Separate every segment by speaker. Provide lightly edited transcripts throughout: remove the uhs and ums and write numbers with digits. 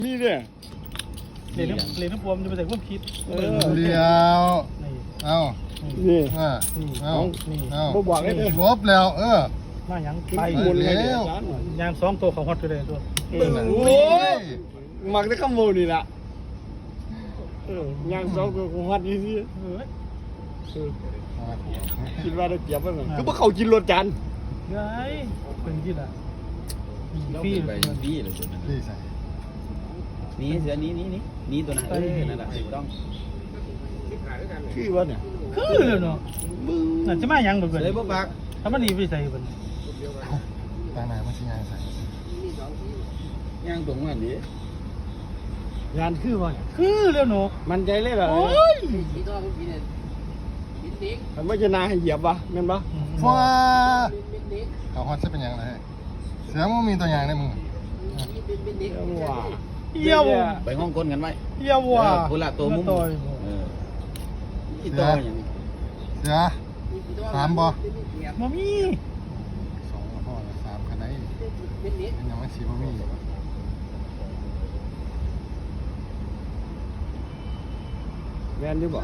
Speaker 1: นี่เนี่ย
Speaker 2: เรียนน้ำปวมจะไปใส่พวกคิด
Speaker 3: เลี้ยว เอา
Speaker 1: นี่
Speaker 3: เอาเอา
Speaker 1: บ่บอกได้เลย
Speaker 3: ลบแล้ว
Speaker 2: มาอย่าง
Speaker 1: ไป
Speaker 2: ไป
Speaker 1: หมุนเลย
Speaker 2: ยาง2 ตัวของฮอตเลยตัว
Speaker 1: โอ้มักได้ขโมยนี่ล่ะย่างสองตัวของฮัดนี่สิคิดว่าได้เปรียบมั้งคือพวกเขากินรถจาน
Speaker 2: ไงเป็นที่ละ
Speaker 4: พี่ไปพี่เลยตัวนั้น
Speaker 3: พี่ใส่
Speaker 4: นี่เสือนี่ตัวนั้นนั่นแหละถูกต้อง
Speaker 1: คือว่าเนี่ย
Speaker 2: คือเลยเนาะนั่นจะมาอย่างเบิด
Speaker 4: เลยบ่ปาก
Speaker 2: ถ้ามันดีไปใส่เบิด
Speaker 3: ตาหนามันสิงานใส่
Speaker 4: ย่างตรงนั้นดิ
Speaker 1: งานคือว่าเนี่ย
Speaker 2: คือเร็วเนาะ
Speaker 1: มันใจเลยเหรอ
Speaker 2: โอ้ย
Speaker 1: มันไม่จะนาให้เหยียบวะแม่นปะ
Speaker 3: ฟ้าเขาฮอตจะเป็นอย่างไรเสือมันมีตัวอย่างในมือ
Speaker 1: ว้า
Speaker 2: เยี่ยว
Speaker 4: ไปห้องก้นกันไว้
Speaker 2: เยี่ยวว่ะ
Speaker 4: คนละตัวมุ้งอีตัวอย่าง
Speaker 3: เสือ3บ่
Speaker 2: มามี
Speaker 3: 2พ่อ3คันไหนเป็นยังไม่สีบ่มี
Speaker 1: แม่นดิบ่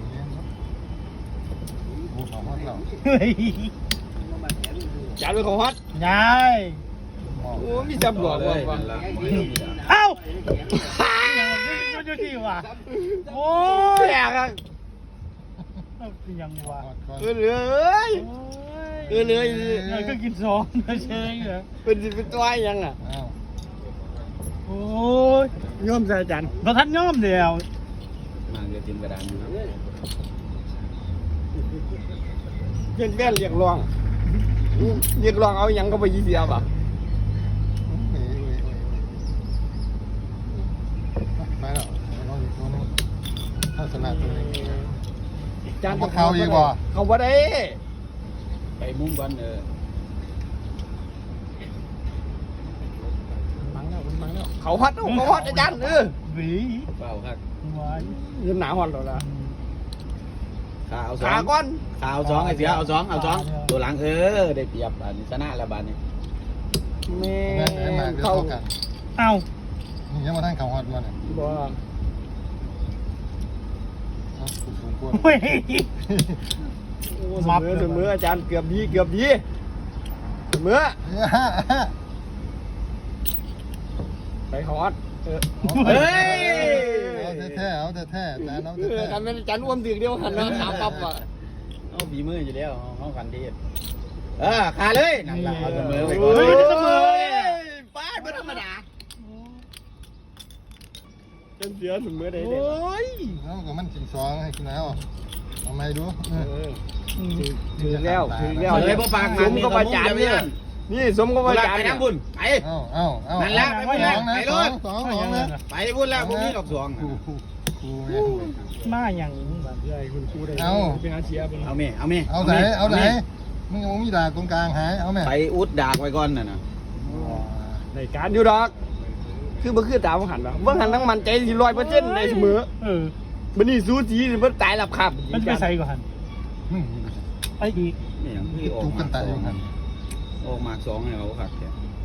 Speaker 3: โอ้เขาฮอตแล้ว
Speaker 2: เฮ้ย
Speaker 1: จานเป็นของฮัด
Speaker 2: ยาย
Speaker 1: โอ้มีจำหลอก
Speaker 4: เล
Speaker 1: ว่ะ
Speaker 4: ย
Speaker 1: ว่ะ
Speaker 2: เอ้าอยู่ที่ว่ะโอ้ย
Speaker 1: แปลกอ่ะ
Speaker 2: ยังว่ะ
Speaker 1: เลยเลย
Speaker 2: ก็กินซองเฉยเหรอ
Speaker 1: เป็นตัวยังอ่ะ
Speaker 3: อ้าว
Speaker 2: โอ้ย
Speaker 1: ย่อมใส่จาน
Speaker 2: เราทันย่อมเดียว
Speaker 4: มาเรียนจิมกระดานอยู่
Speaker 1: เป็นแว่นเรียกร้องเอายังก็ไปยี่เดียวป่ะ
Speaker 3: ไปแล้วเราอีกตัวนึงถ้าสลัดตัวนึง
Speaker 1: จาน
Speaker 3: เขาอีกบ่
Speaker 1: เขาบ่ได้
Speaker 4: ไปมุ้งก่อน
Speaker 1: มังแล้วเขาฮัดอาจารย์
Speaker 2: หวี
Speaker 4: เปล่าครับ
Speaker 2: หวาน
Speaker 1: เงินหนาฮอดแล้วล่ะ
Speaker 4: ขาเอาสอ
Speaker 1: ขาง ก้อน
Speaker 4: ขาเอาสองไอ้เสือเอาสองตัวหลังได้เปรียบอันนี้ชนะแล้วบานนี้
Speaker 1: แม่
Speaker 3: ไอ้หมากเดี๋ยว
Speaker 1: เขา
Speaker 3: เข้ากัน
Speaker 2: เอ้า
Speaker 3: นี่ยังมาทั้งเขาฮอตมาเนี่ย
Speaker 1: บ่
Speaker 3: สูงกว่า
Speaker 2: เฮ้ย
Speaker 1: เสมออาจารย์เกือบดีเสมอไปฮอด
Speaker 4: เฮ้ย
Speaker 3: เอาแท้เอาแท้แต่น้องแท้
Speaker 1: กันเป็นอาจารย์อ้วมตึกเดียวหันมาถามปั๊บอ่ะ
Speaker 4: เอาบีมืออยู่แล้วห้องกันดีขาเลยนั่นแหละเอาเสมอไปก่อน
Speaker 1: เสมอป้าไม่ธรรมดาจนเสียเสมอได้เลย
Speaker 3: แล้วก็มันกิน2ให้กินแล้วเอาไม่ดู
Speaker 1: ถึงแล้ว
Speaker 4: เลยบ่ปาก
Speaker 1: สมกับอาจารย์เนี่ยนี่สมกับอาจารย์
Speaker 4: ไป
Speaker 1: เนี่ย
Speaker 4: น้ำบุญไป
Speaker 3: เอาไป
Speaker 4: บุญแล้วพวกนี้ดอกสวง
Speaker 3: ครู
Speaker 2: มาอย่าง
Speaker 1: ใหญ่คุณครูได้เป็นอาเชียเป็น
Speaker 4: เอาเมเอาไหน
Speaker 3: มึงมีดาตรงกลางหายเอาแม่
Speaker 4: ไปอุดดากไว้ก่อนน่ะนะ
Speaker 1: ในการอยู่ดอกคือบ่คือตามหันหรอบ่หันทั้งมันใจสิ100%ได้เสมอบัดนี้สู้จีมันตายหลับขับ
Speaker 2: มันไปใส่ก่อนไปอีก
Speaker 4: นี่อย่างที่ออก
Speaker 3: จุกกันตายอยู่หัน
Speaker 4: ออกมา2ให้เขาขัดแก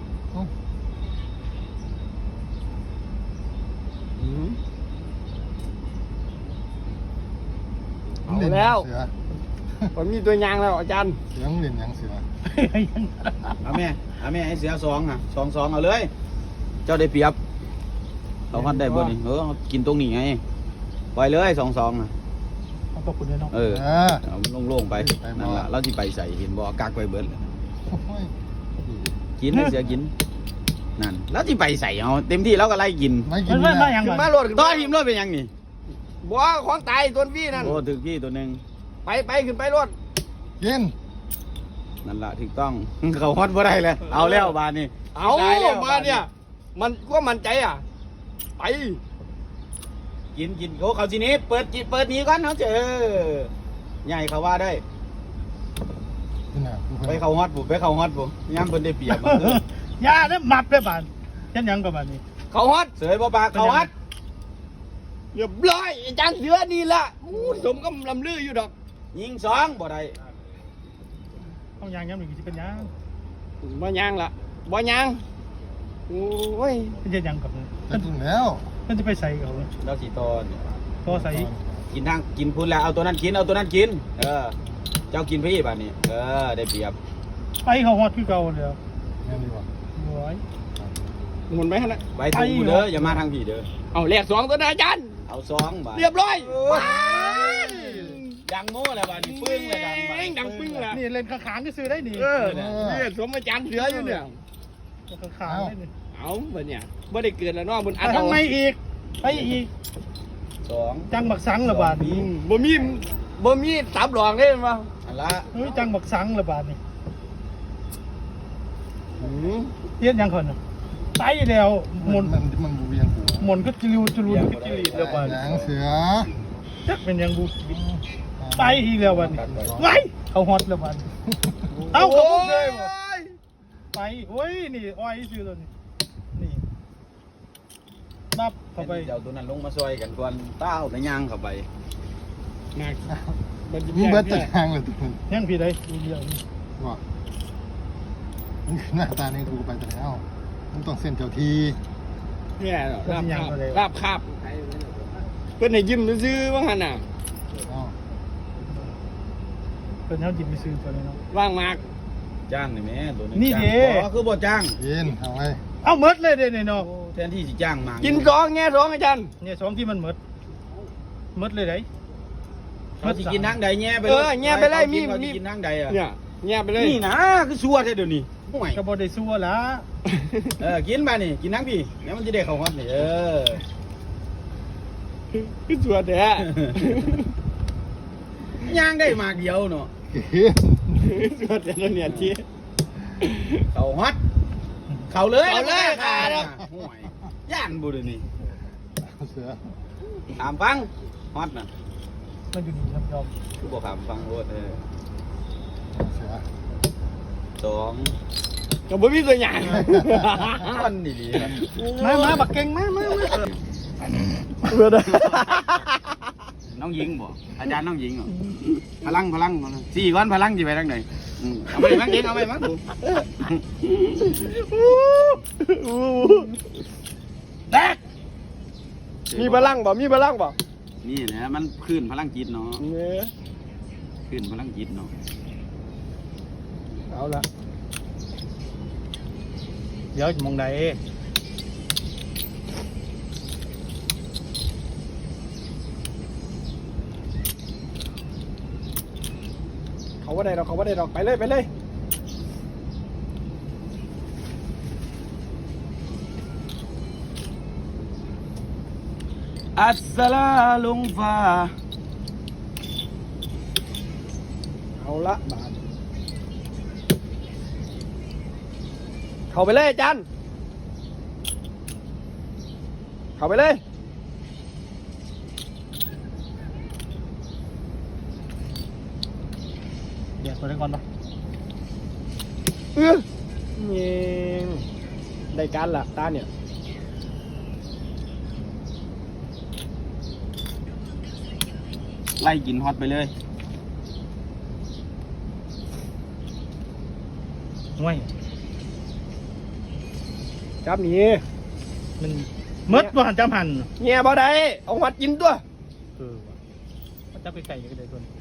Speaker 1: เอาแล้วผมมีตัวยางแล้วอาจารย์
Speaker 3: เสือเล่นยังเสือ
Speaker 4: เอาแม่ให้เสีย2อ่ะ2เอาเลยเจ้าได้เปรียบเขาคัดได้บ่นี่กินตรงนี้ไงปล่อยเลย2อ่ะ
Speaker 2: เอาตกคุณเลยน้อง
Speaker 4: เอาโล่งๆไปนั่นล่ะเราสิไปใส่เห็นบ่กักไว้เบิดกินให้เสียกินนั่นแล้วสิไปใส่เอาเต็มที่แล้วก็ไล่กิน
Speaker 3: ไม่กิ
Speaker 2: มัน นมาอย่าง
Speaker 1: ขึ้น
Speaker 2: ไร
Speaker 1: มาโหลด
Speaker 4: ต่อทีมรถเป็นยังนี่
Speaker 1: บ่ของตายตัวพี่นั่น
Speaker 4: โอ้ถึงพี่ตัวนึง
Speaker 1: ไปขึ้นไปรถ
Speaker 3: กิน
Speaker 4: นั่นล่ะถูกต้องเขาฮอดบ่ได้เลยเอาแล้วบานนี้
Speaker 1: เอามาเนี่ยมันก็มั่นใจอ่ะไป
Speaker 4: กินโอ้เขาทีนี้เปิดนี้ก่อนเขาเจอใหญ่เขาว่าได้ไปเขาฮอดผมย่ำเพิ่นได้เปรียบ
Speaker 2: ยาเนี่ยมับได้บ้านฉันยังกับบ้านนี้
Speaker 1: เขาฮอด
Speaker 4: เสยบ่ปากเขาฮอด
Speaker 1: เรียบร้อยอาจารย์เสือนี่ละสมกับลำลืออยู่ดอก
Speaker 4: ยิง2บ่ได้
Speaker 2: ต้องยางย้ำหนึ่งจะเป็นยาง
Speaker 1: บ่ยางละบ่ยางโอ้ย
Speaker 2: เป็นยังกับ
Speaker 3: จะกินแล้ว
Speaker 2: มันจะไปใส่เขา
Speaker 4: เราสีตอน
Speaker 2: พอใส่
Speaker 4: กินทางกินพุ่นแล้วเอาตัวนั้นกินเอาตัวนั้นกินเจ้ากินพี่บ้านนี้ได้เปรียบ
Speaker 2: ไปเขาฮอดคือเก่าแล้ว
Speaker 3: งั้นดีกว่า
Speaker 2: โอ้ย
Speaker 1: หมุนไหมฮะนะ
Speaker 4: ไว้ทางกูเด้ออย่ามาทางพี่เด้อ
Speaker 1: เอาแลกสองตัวนะอาจารย์
Speaker 4: เอาซองบาท
Speaker 1: เรียบร้อย
Speaker 4: ดังโม่แล้วบ้านนี้ปึ้งเลยดังบ้าน
Speaker 1: ดังปึ้งละ
Speaker 2: นี่เล่นข้างๆก็ซื้อได้นี่
Speaker 1: นี่สมอาจารย์เสืออยู่เนี่ย
Speaker 2: ข้างๆได้นี่
Speaker 1: เอาบ่เนี่ยบ่ได้เกิดแล้วเนาะบนอัน
Speaker 2: ทำไมอีกไปอีก
Speaker 4: สอง
Speaker 2: จังบักสังระบาดนี้
Speaker 1: บ่มีตับหลองเลยมั้ง
Speaker 4: อันละ
Speaker 2: เฮ้ยจังบักสังระบาดนี่เทียนยังคนไตแล้วหมน
Speaker 3: มันบูเวียงกู
Speaker 2: หมนก็จิริวจิรูนก็จิรีระบาด
Speaker 3: หนังเสือ
Speaker 2: จักเป็นยังบูไตอีกแล้วบัดนี้ไว้เขาฮอตระบาดเอ้าเขาพูดเลยบ่ไปโอ้ยนี่อ้อยซื้อตัวนี้นี่นับเข้าไป
Speaker 4: เจ้าตัวนั้นลงมาซอยกันก่อนเต้าแต่ย่างเข้าไป
Speaker 1: นัก
Speaker 3: มึงเบิดตะทางเลยตัวนึง
Speaker 2: ยังพี่ได้ดูเดียวนี่
Speaker 3: ว่ามึงหน้าตาในกูไปแต่แล้วมึงต้องเส้นเจ้าที
Speaker 1: เนี่ยลาบคาบเพิ่นให้ยิ้มซื่อๆว่าหั่นน่ะ
Speaker 3: อ้าว
Speaker 2: เป็นเฮาจิบไปซื้อตัวนี้เนาะ
Speaker 1: ว่างมาก
Speaker 4: จ้างนี่แม่ตัวนี้
Speaker 2: นี่เด้
Speaker 4: คือบ่จ้าง
Speaker 3: ยินเอาไว้
Speaker 2: เอาหมดเลยเด้นี่เนาะ
Speaker 4: แทนที่สิจ้างมา
Speaker 1: กิ
Speaker 4: กิ
Speaker 1: นสองแง่สองอาจารย์
Speaker 2: เนี่ยสองที่มันหมดเลยได้
Speaker 4: เขาสิกินทางใดแง่ไป
Speaker 1: แง่ไปเลยมี
Speaker 4: เขาสิกินทางใดอ่ะ
Speaker 1: เนี่ยแง่ไปเลย
Speaker 4: นี่นะคือชัวแท้เดี๋ยวนี้ห่วย
Speaker 2: ก็บ่ได้ซัวละ
Speaker 4: กินมานี่กินทางพี่แล้วมันจะได้เข้าฮอตนี่
Speaker 1: คือสวยแท้
Speaker 4: ย่างได้มากเดียวเนาะ
Speaker 1: สวยแท้แล้วเนี่ยที่
Speaker 4: เข้าฮอตเข้าเลย
Speaker 1: เข้าเลยค่ะ
Speaker 4: ห่วยย่านบ่เดี๋ยวนี้
Speaker 3: เสือ
Speaker 4: ถามฟังฮอตน่ะ
Speaker 2: มันอยู่นี่ยอม
Speaker 4: คือบ่ถามฟังโลด
Speaker 3: เสือ
Speaker 4: สอง
Speaker 1: ก็บ่มีตัวอย่าง
Speaker 4: คนดีๆนะ
Speaker 2: มาบักเก่งมา
Speaker 1: เบื่อเด้อ
Speaker 4: น้องหญิงบ่อาจารย์น้องหญิงเหรอพลังสี่ก้อนพลังสิไปทางไหนเอาไปมั้งเก่งเอาไปมั้งดู
Speaker 2: แตก
Speaker 1: มีพลังบ่มีพลังบ่
Speaker 4: นี่นะมันขึ้นพลังจิตเนาะ
Speaker 1: เนี่ย
Speaker 4: ขึ้นพลังจิตเนาะ
Speaker 1: เอาละ
Speaker 2: เดี๋ยวมองใด
Speaker 1: เขาว่าได้ดอกไปเลย
Speaker 4: อัสสลาลุงฟ้า
Speaker 1: เอาละบาทเข้าไปเลยอาจารย์เข้าไปเลย
Speaker 2: เดี๋ยวตัวนี้ก่อนปะ
Speaker 1: เงี้ยได้การละตาเนี่ย
Speaker 4: ไล่กินฮอตไปเลย
Speaker 2: ห่วย
Speaker 1: จับหนี
Speaker 2: มันหมดบ่หันจำหัน
Speaker 1: เงี้ยบ่ได้เอาหัดกินตัว
Speaker 2: มันจะไปไก่ก็ได้ตัวนี้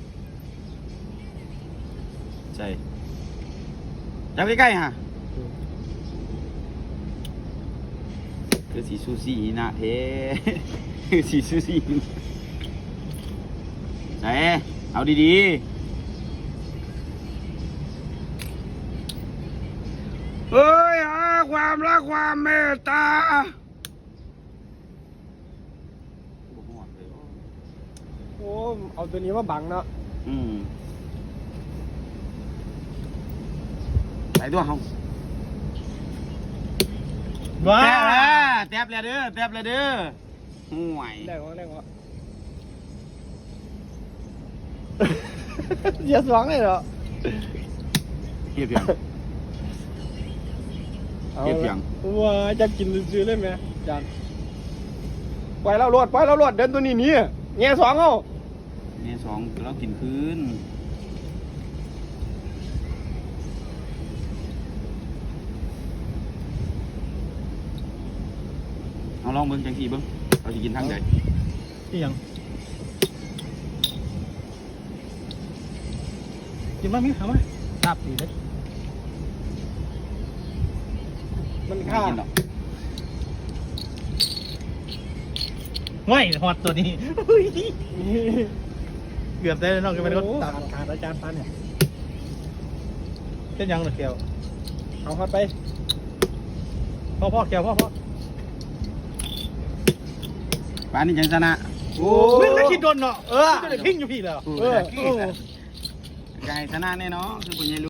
Speaker 4: ใช่จับใกล้ๆฮะคือสีซูซี่นะเท คือสีซูซี่ใช่เอาดีๆเฮ้ยหาความรักความเมตตา
Speaker 1: โอ้เอาตัวนี้มาบังเนาะ
Speaker 4: ใส่ตัวเขา
Speaker 2: ว้า
Speaker 4: แทบเลยเด้อแทบเลยเด้อห่วย
Speaker 1: ได้ก็เสียสองเลยเหรอ
Speaker 4: เก็บยัง เก็บยัง
Speaker 1: ว้าจะกินซื้อเลยไหมจานปล่อยเราโลดเดินตัวนี้หนี่เงี้ยสองเอา
Speaker 4: เนี่ยสองเรากินคืนเอาลองเบิ่งจังซี่เบิ่งเราสิกินทางใด
Speaker 2: ที่ยังกินมามิ้งทำไหมครับดีเลย
Speaker 1: มัน
Speaker 4: ไม่
Speaker 1: ฆ่า
Speaker 4: กินหรอก
Speaker 2: ง่อยฮอตตัวนี้เกือบได้แล้วนอกจากมันก็ตัดขาดอาจารย์ปันเนี่ยเป็นยังเหรอเกียว
Speaker 1: เอาเข้าไป
Speaker 2: พ่อเกียวพ่อ
Speaker 4: ปานนี้จังชนะ
Speaker 1: โอ้
Speaker 2: มึงแล้วคิดโดนเนาะก็เลยพิ้งอยู่พี่แล้ว
Speaker 1: เออ
Speaker 4: ไก่ชนะแน่เนาะคือผู้ใหญ่